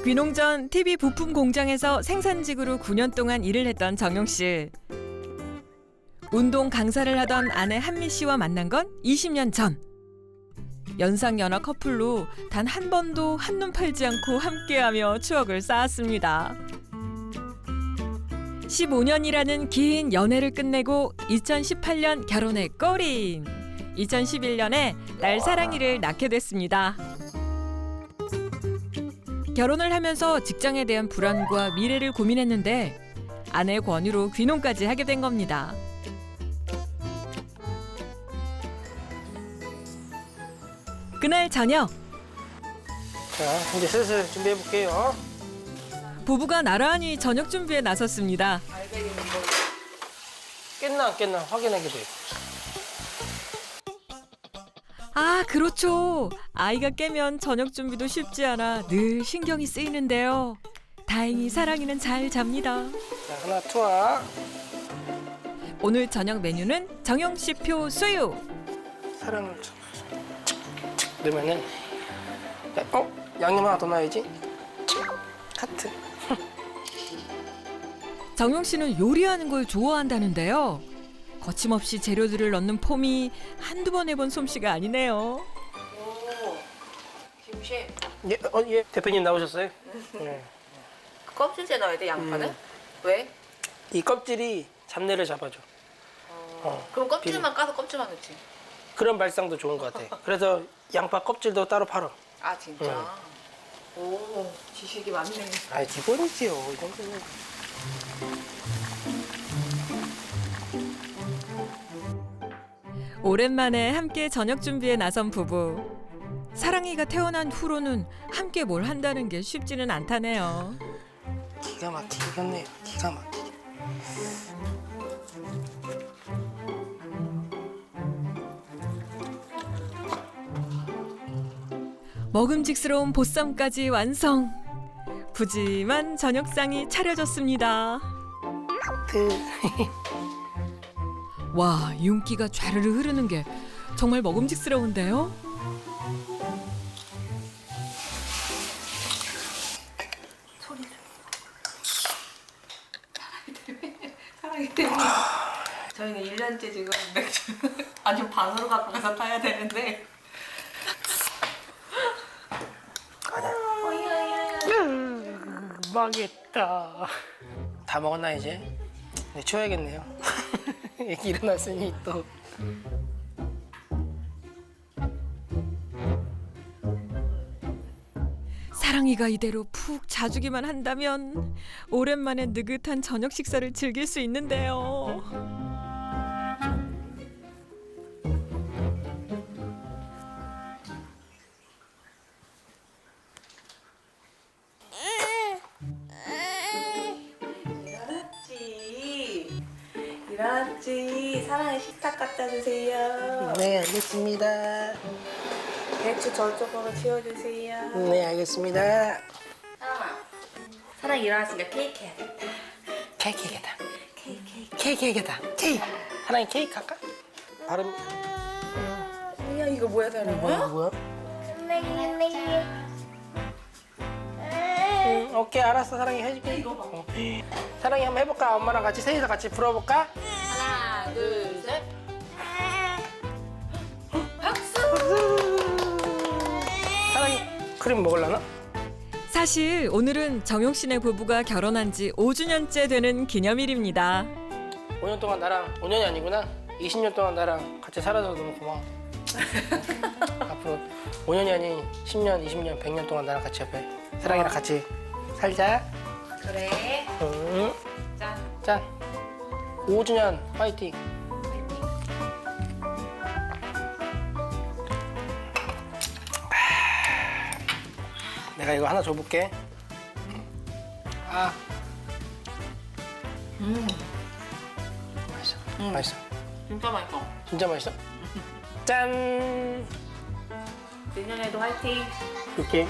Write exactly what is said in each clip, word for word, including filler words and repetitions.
귀농 전 티비 부품 공장에서 생산직으로 구 년 동안 일을 했던 정용 씨. 운동 강사를 하던 아내 한미 씨와 만난 건 이십 년 전. 연상연하 커플로 단 한 번도 한눈 팔지 않고 함께하며 추억을 쌓았습니다. 십오 년이라는 긴 연애를 끝내고 이천십팔 년 결혼에 꼬린. 이천십일 년에 딸 사랑이를 낳게 됐습니다. 결혼을 하면서 직장에 대한 불안과 미래를 고민했는데 아내의 권유로 귀농까지 하게 된 겁니다. 그날 저녁. 자, 이제 슬슬 준비해 볼게요. 부부가 나란히 저녁 준비에 나섰습니다. 깼나 안 깼나 확인하게 돼요. 아, 그렇죠. 아이가 깨면 저녁 준비도 쉽지 않아 늘 신경이 쓰이는데요. 다행히 사랑이는 잘 잡니다. 자, 하나 투하. 오늘 저녁 메뉴는 정용 씨표 수육. 사랑을 착, 착 넣으면은 야, 어? 양념 하나 더 넣어야지. 하트. 정용 씨는 요리하는 걸 좋아한다는데요. 거침없이 재료들을 넣는 폼이 한두 번 해본 솜씨가 아니네요. 오, 김씨. 예, 어, 예. 대표님 나오셨어요? 네. 그 껍질째 넣어야 돼, 양파는? 음. 왜? 이 껍질이 잡내를 잡아줘. 어, 그럼 껍질만 까서 껍질만 넣지. 그런 발상도 좋은 것 같아. 그래서 양파 껍질도 따로 팔아. 아, 진짜? 오, 지식이 많네. 아, 기본이지요. 이 정도는. 오랜만에 함께 저녁 준비에 나선 부부. 사랑이가 태어난 후로는 함께 뭘 한다는 게 쉽지는 않다네요. 기가 막히겠네요. 기가 막히게. 먹음직스러운 보쌈까지 완성. 푸짐한 저녁상이 차려졌습니다. 하트. 와, 윤기가 좌르르 흐르는 게 정말 먹음직스러운데요? 소리 사랑이 때문에. 저희는 일 년째 지금 맥주 아주 방으로 갖고 가서 타야 되는데. 음, 망했다. 다 먹었나 이제? 네, 치워야겠네요. 애기 일어났으니 또. 사랑이가 이대로 푹 자주기만 한다면 오랜만에 느긋한 저녁 식사를 즐길 수 있는데요. 일어났지. 일어났지. 사랑의 식탁 갖다 주세요. 네, 알겠습니다. 배추 저쪽으로 치워주세요. 네, 알겠습니다. 사랑아. 사랑 일어났으니까 케이크 해야겠다. 케이크 해야겠다. 케이크 케이크. 케이크 해야겠다. 케이크. 하나님 케이크 할까? 발음. 야 이거 뭐야 사랑아? 뭐야, 뭐야? 응, 오케이, 알았어. 사랑이 해줄게. 이거 봐. 어. 사랑이 한번 해볼까? 엄마랑 같이 셋이서 같이 불어볼까? 하나 둘 셋. 박수. 사랑이 크림 먹을라나? 사실 오늘은 정용 씨네 부부가 결혼한 지 오 주년째 되는 기념일입니다. 오 년 동안 나랑 오 년이 아니구나. 이십 년 동안 나랑 같이 살아줘서 너무 고마워. 앞으로 오 년이 아닌 십 년, 이십 년, 백 년 동안 나랑 같이 옆에 사랑이랑 같이 살자. 그래. 응. 짠. 짠. 오 주년 파이팅. 내가 이거 하나 줘볼게. 아, 음. 맛있어. 음. 맛있어. 진짜 맛있어. 진짜 맛있어. 짠. 내년에도 화이팅. 이렇게.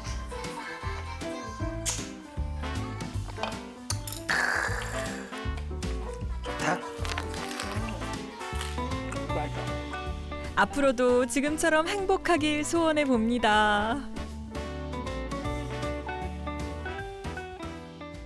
좋다. 맛있어. 앞으로도 지금처럼 행복하길 소원해 봅니다.